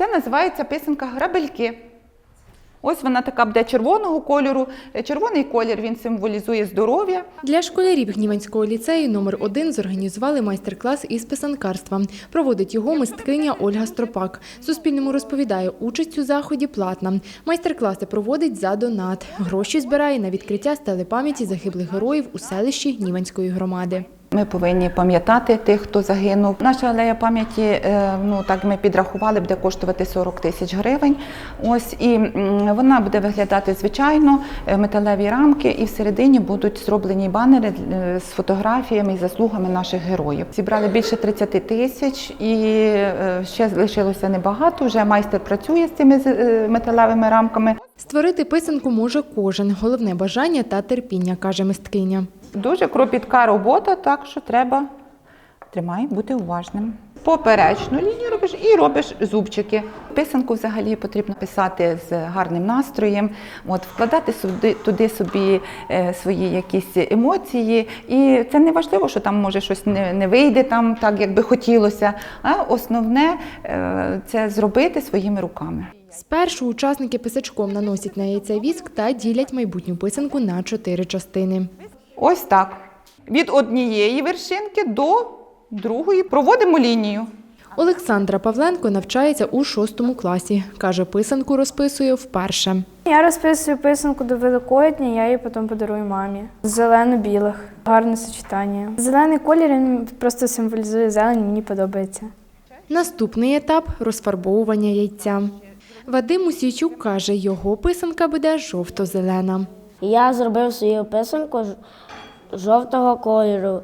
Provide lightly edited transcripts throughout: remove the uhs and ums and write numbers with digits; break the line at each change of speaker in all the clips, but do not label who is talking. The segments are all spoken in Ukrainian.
Це називається писанка «Грабельки». Ось вона така буде червоного кольору. Червоний колір, він символізує здоров'я.
Для школярів Гніванського ліцею номер 1 зорганізували майстер-клас із писанкарства. Проводить його мисткиня Ольга Стропак. Суспільному розповідає, участь у заході платна. Майстер-класи проводить за донат. Гроші збирає на відкриття стели пам'яті загиблих героїв у селищі Гніванської громади.
Ми повинні пам'ятати тих, хто загинув. Наша алея пам'яті, так ми підрахували, буде коштувати 40 тисяч гривень. Ось, і вона буде виглядати звичайно, металеві рамки, і всередині будуть зроблені банери з фотографіями і заслугами наших героїв. Зібрали більше 30 тисяч і ще лишилося небагато. Вже майстер працює з цими металевими рамками.
Створити писанку може кожен. Головне бажання та терпіння, каже мисткиня.
Дуже кропітка робота, так що треба бути уважним. Поперечну лінію робиш і робиш зубчики. Писанку взагалі потрібно писати з гарним настроєм, вкладати туди собі свої якісь емоції. І це не важливо, що там може щось не вийде там, так, як би хотілося, а основне – це зробити своїми руками.
Спершу учасники писачком наносять на яйце віск та ділять майбутню писанку на 4 частини.
Ось так. Від однієї вершинки до другої проводимо лінію.
Олександра Павленко навчається у 6 класі. Каже, писанку розписує вперше.
Я розписую писанку до Великодня, я її потім подарую мамі. Зелено-білих. Гарне сочетання. Зелений колір, він просто символізує зелень, мені подобається.
Наступний етап – розфарбовування яйця. Вадим Мусійчук каже, його писанка буде жовто-зелена.
Я зробив свою писанку жовтого кольору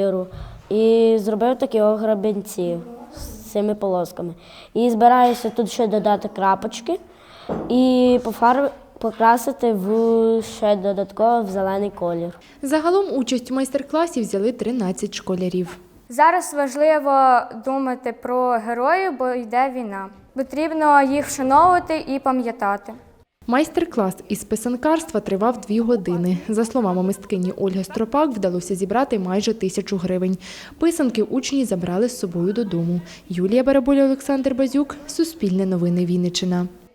і зробив такі грабінці з цими полосками. І збираюся тут ще додати крапочки і покрасити ще додатково в зелений колір.
Загалом участь у майстер-класі взяли 13 школярів.
Зараз важливо думати про героїв, бо йде війна. Потрібно їх вшановувати і пам'ятати.
Майстер-клас із писанкарства тривав 2 години. За словами мисткині Ольги Стропак, вдалося зібрати майже 1000 гривень. Писанки учні забрали з собою додому. Юлія Бараболя, Олександр Базюк. Суспільне новини Вінниччина.